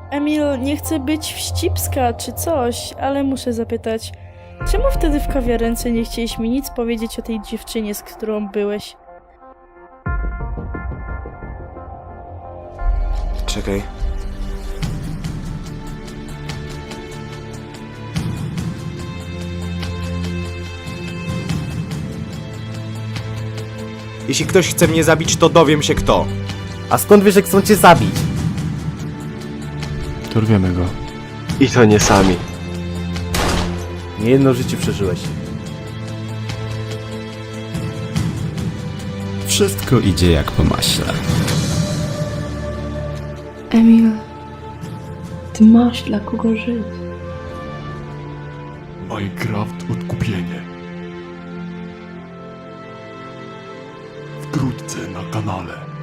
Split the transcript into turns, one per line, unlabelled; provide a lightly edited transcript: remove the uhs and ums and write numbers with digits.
Emil, nie chcę być wścibska czy coś, ale muszę zapytać, czemu wtedy w kawiarence nie chcieliś mi nic powiedzieć o tej dziewczynie, z którą byłeś?
Czekaj. Jeśli ktoś chce mnie zabić, to dowiem się kto.
A skąd wiesz, jak chcą cię zabić?
Dorwiemy go.
I to nie sami.
Nie jedno życie przeżyłeś.
Wszystko idzie jak po maśle.
Emil, ty masz dla kogo żyć.
Minecraft Odkupienie. Wkrótce na kanale.